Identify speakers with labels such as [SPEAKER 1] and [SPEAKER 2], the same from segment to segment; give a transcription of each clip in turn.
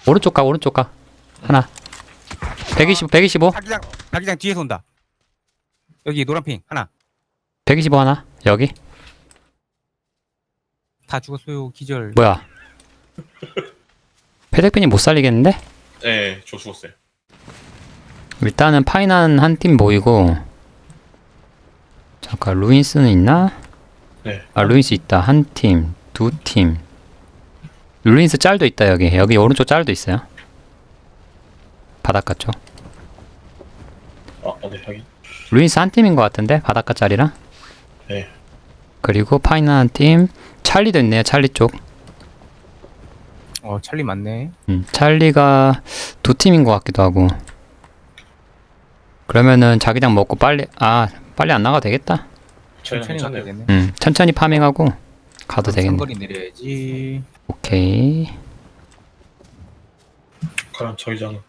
[SPEAKER 1] 오른쪽 가, 오른쪽 가. 하나. 125, 125.
[SPEAKER 2] 자기장 뒤에서 온다. 여기 노란핑 하나.
[SPEAKER 1] 125 하나. 여기.
[SPEAKER 2] 다 죽었어요. 기절.
[SPEAKER 1] 뭐야. 패덱빈이 못 살리겠는데?
[SPEAKER 3] 네, 저 죽었어요.
[SPEAKER 1] 일단은 파이난 한 팀 모이고. 잠깐, 루인스는 있나?
[SPEAKER 3] 네.
[SPEAKER 1] 아, 루인스 있다. 한 팀, 두 팀. 루인스 짤도 있다, 여기. 여기 오른쪽 짤도 있어요. 바닷가 쪽.
[SPEAKER 3] 네, 확인.
[SPEAKER 1] 루인스 한 팀인 것 같은데? 바닷가 짤이랑.
[SPEAKER 3] 네.
[SPEAKER 1] 그리고 파이난 한 팀. 찰리도 있네요, 찰리 쪽.
[SPEAKER 2] 찰리 맞네.
[SPEAKER 1] 찰리가 두 팀인 것 같기도 하고. 그러면은 자기장 먹고 빨리 안 나가도 되겠다.
[SPEAKER 2] 천천히 가야
[SPEAKER 3] 괜찮네요.
[SPEAKER 2] 되네.
[SPEAKER 1] 천천히 파밍하고 가도 되겠네.
[SPEAKER 2] 상거리 내려야지.
[SPEAKER 1] 오케이.
[SPEAKER 3] 그럼 저기장은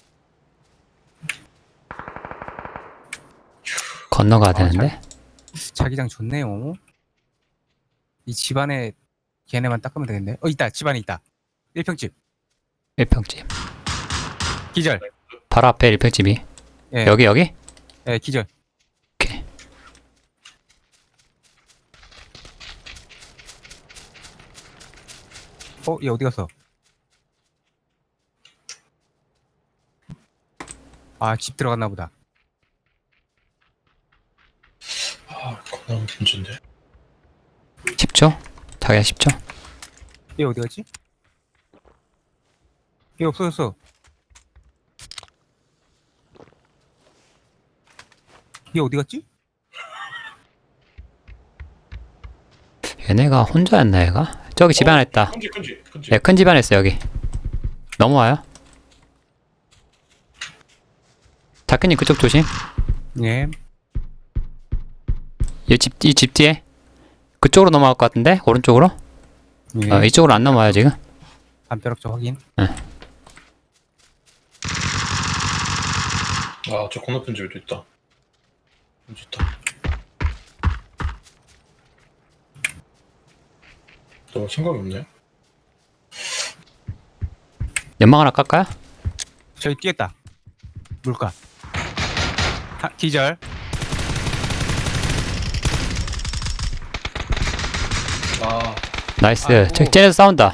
[SPEAKER 1] 건너가야 되는데.
[SPEAKER 2] 자기장 좋네요. 이 집안에 걔네만 닦으면 되겠네. 있다. 집안에 있다. 1평집.
[SPEAKER 1] 1평집.
[SPEAKER 2] 기절.
[SPEAKER 1] 바로 앞에 1평집이.
[SPEAKER 2] 예.
[SPEAKER 1] 여기?
[SPEAKER 2] 예, 기절.
[SPEAKER 1] 오케이.
[SPEAKER 2] 얘 어디 갔어? 집 들어갔나 보다.
[SPEAKER 3] 겁나 문제인데.
[SPEAKER 1] 10초? 자기야 10초?
[SPEAKER 2] 얘 어디 갔지? 얘 없어졌어. 얘 어디 갔지?
[SPEAKER 1] 얘네가 혼자였나 얘가? 저기 집 안에 있다.
[SPEAKER 3] 큰지.
[SPEAKER 1] 네, 큰 집 안에 있어 여기. 넘어와요. 다크님 그쪽 조심.
[SPEAKER 2] 예.
[SPEAKER 1] 이 집 뒤에. 그쪽으로 넘어갈 것 같은데? 오른쪽으로?
[SPEAKER 2] 예.
[SPEAKER 1] 이쪽으로 안 넘어와요 지금.
[SPEAKER 2] 담벼락쪽 확인.
[SPEAKER 3] 저 건너편 집에도 있다. 좋다. 너 생각이 없네.
[SPEAKER 1] 연막 하나 깎아요?
[SPEAKER 2] 저기 뛰었다. 물가. 기절.
[SPEAKER 1] 나이스.
[SPEAKER 2] 아이고.
[SPEAKER 1] 저기 쟤네서 싸운다.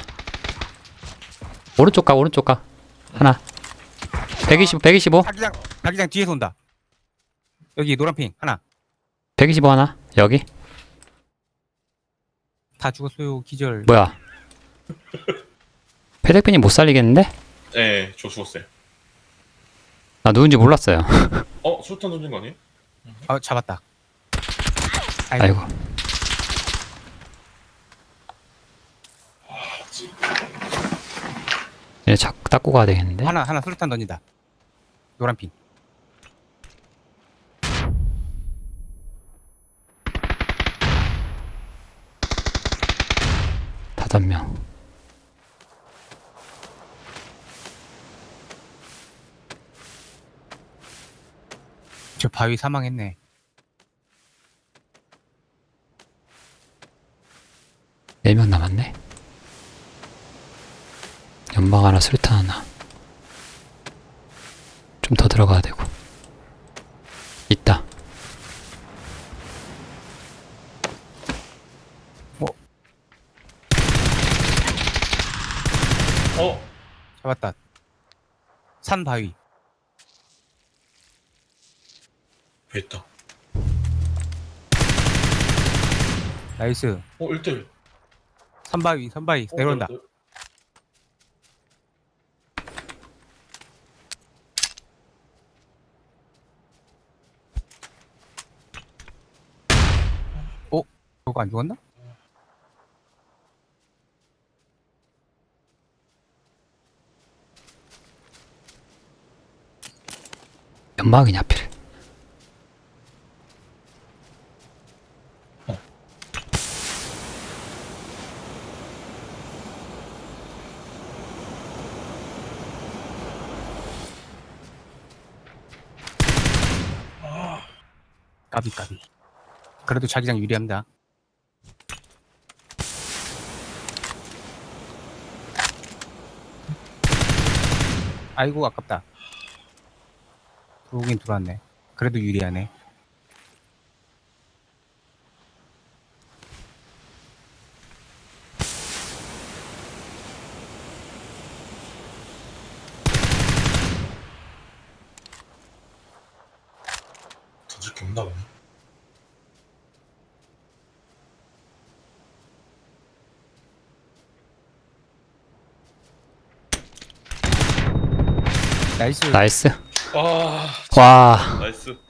[SPEAKER 1] 오른쪽 가. 하나. 125.
[SPEAKER 2] 자기장 뒤에서 온다. 여기 노란핑 하나.
[SPEAKER 1] 125 하나. 여기.
[SPEAKER 2] 다 죽었어요. 기절.
[SPEAKER 1] 뭐야. 패덱빈이 못 살리겠는데?
[SPEAKER 3] 네, 저 죽었어요.
[SPEAKER 1] 나 누군지 몰랐어요.
[SPEAKER 3] 수류탄 던진 거 아니에요?
[SPEAKER 2] 잡았다.
[SPEAKER 1] 아이고. 얘 자꾸 닦고 가야 되겠는데?
[SPEAKER 2] 하나 수류탄 던진다. 노란핑.
[SPEAKER 1] 다섯 명.
[SPEAKER 2] 저 바위 사망했네.
[SPEAKER 1] 네 명 남았네. 연막 하나, 수류탄 하나. 좀 더 들어가야 되고. 있다.
[SPEAKER 2] 잡았다. 산 바위.
[SPEAKER 3] 왜 있다.
[SPEAKER 2] 나이스.
[SPEAKER 3] 1대1.
[SPEAKER 2] 산 바위 내려온다. 저거 안 죽었나?
[SPEAKER 1] 연막이냐 하필.
[SPEAKER 2] 까비. 그래도 자기장 유리합니다. 아이고 아깝다. 들어오긴 들어왔네. 그래도 유리하네.
[SPEAKER 3] 던질 게 없나 보네.
[SPEAKER 2] 나이스.
[SPEAKER 1] 나이스.
[SPEAKER 3] 아,
[SPEAKER 1] 와,
[SPEAKER 3] 나이스.